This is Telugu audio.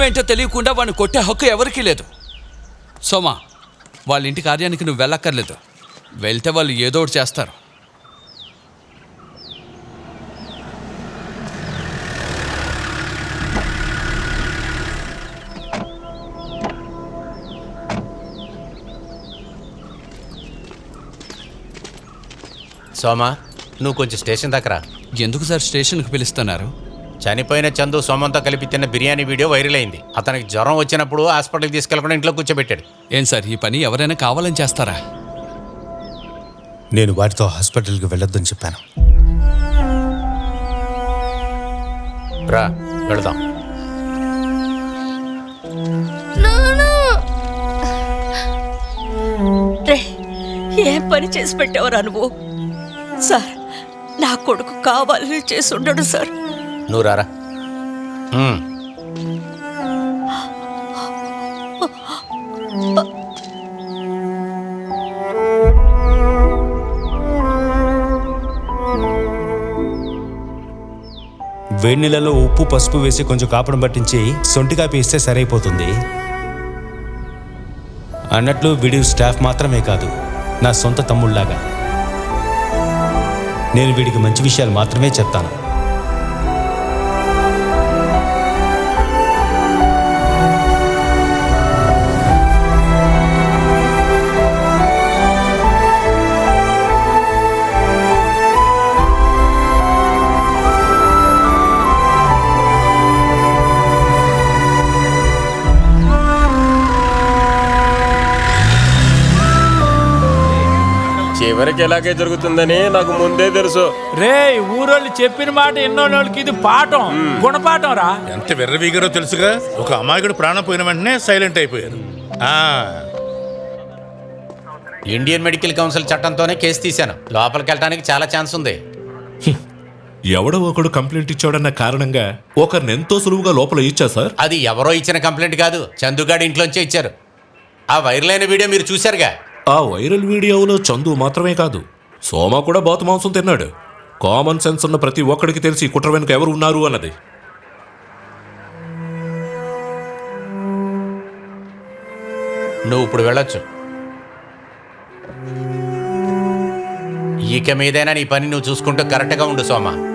ఏంటో తెలియకుండా వాడిని కొట్టే హక్కు ఎవరికీ లేదు. సోమా, వాళ్ళ ఇంటి కార్యానికి నువ్వు వెళ్ళక్కర్లేదు. వెళ్తే వాళ్ళు ఏదో ఒకటి చేస్తారు. సోమా, నువ్వు కొంచెం స్టేషన్ దగ్గర. ఎందుకు సార్ స్టేషన్కి పిలుస్తున్నారు? చనిపోయిన చందు సోమంతో కలిపి తిన్న బిర్యానీ వీడియో వైరల్ అయింది. అతనికి జ్వరం వచ్చినప్పుడు హాస్పిటల్కి తీసుకెళ్లకుండా ఇంట్లో కూర్చోబెట్టాడు. ఏం సార్, ఈ పని ఎవరైనా కావాలని చేస్తారా? నేను వాటితో హాస్పిటల్కి వెళ్ళొద్దని చెప్పాను. రా వెళదాం. ఏం పని చేసి పెట్టేవరా నువ్వు? సార్, నా కొడుకు కావాలని చేసి ఉండడు సార్. నువ్వు రారా. వేడి నీళ్ళలో ఉప్పు పసుపు వేసి కొంచెం కాపడం పట్టించి సొంటి కాపీ ఇస్తే సరైపోతుంది. అన్నట్లు వీడి స్టాఫ్ మాత్రమే కాదు, నా సొంత తమ్ముళ్లాగా. నేను వీడికి మంచి విషయాలు మాత్రమే చెప్తాను. చివరికి ఎలాగే జరుగుతుందని నాకు ముందే తెలుసు. రే, ఊరోళ్ళు చెప్పిన మాట ఎన్నోళ్ళకి ఇది పాఠం, గుణపాఠం రా. ఎంత వెర్రవీగారో తెలుసుగా. ఒక అమాయకుడు ప్రాణం పోయిన వెంటనే సైలెంట్ అయిపోయారు. ఇండియన్ మెడికల్ కౌన్సిల్ చట్టంతోనే కేసు తీశాను. లోపలికి వెళ్ళడానికి చాలా ఛాన్స్ ఉంది. ఎవడో ఒకడు కంప్లైంట్ ఇచ్చాడన్న కారణంగా ఒకరిని ఎంతో సులువుగా లోపల ఇచ్చా సార్. అది ఎవరో ఇచ్చిన కంప్లైంట్ కాదు, చందుగాడి ఇంట్లోంచే ఇచ్చారు. ఆ వైరల్ అయిన వీడియో మీరు చూశారుగా. ఆ వైరల్ వీడియోలో చందు మాత్రమే కాదు, సోమ కూడా బాతు మాంసం తిన్నాడు. కామన్ సెన్స్ ఉన్న ప్రతి ఒక్కడికి తెలిసి కుట్ర వెనుక ఎవరు ఉన్నారు అన్నది. నువ్వు ఇప్పుడు వెళ్ళొచ్చు. ఇక మీదైనా నీ పని నువ్వు చూసుకుంటూ కరెక్ట్గా ఉండు సోమ.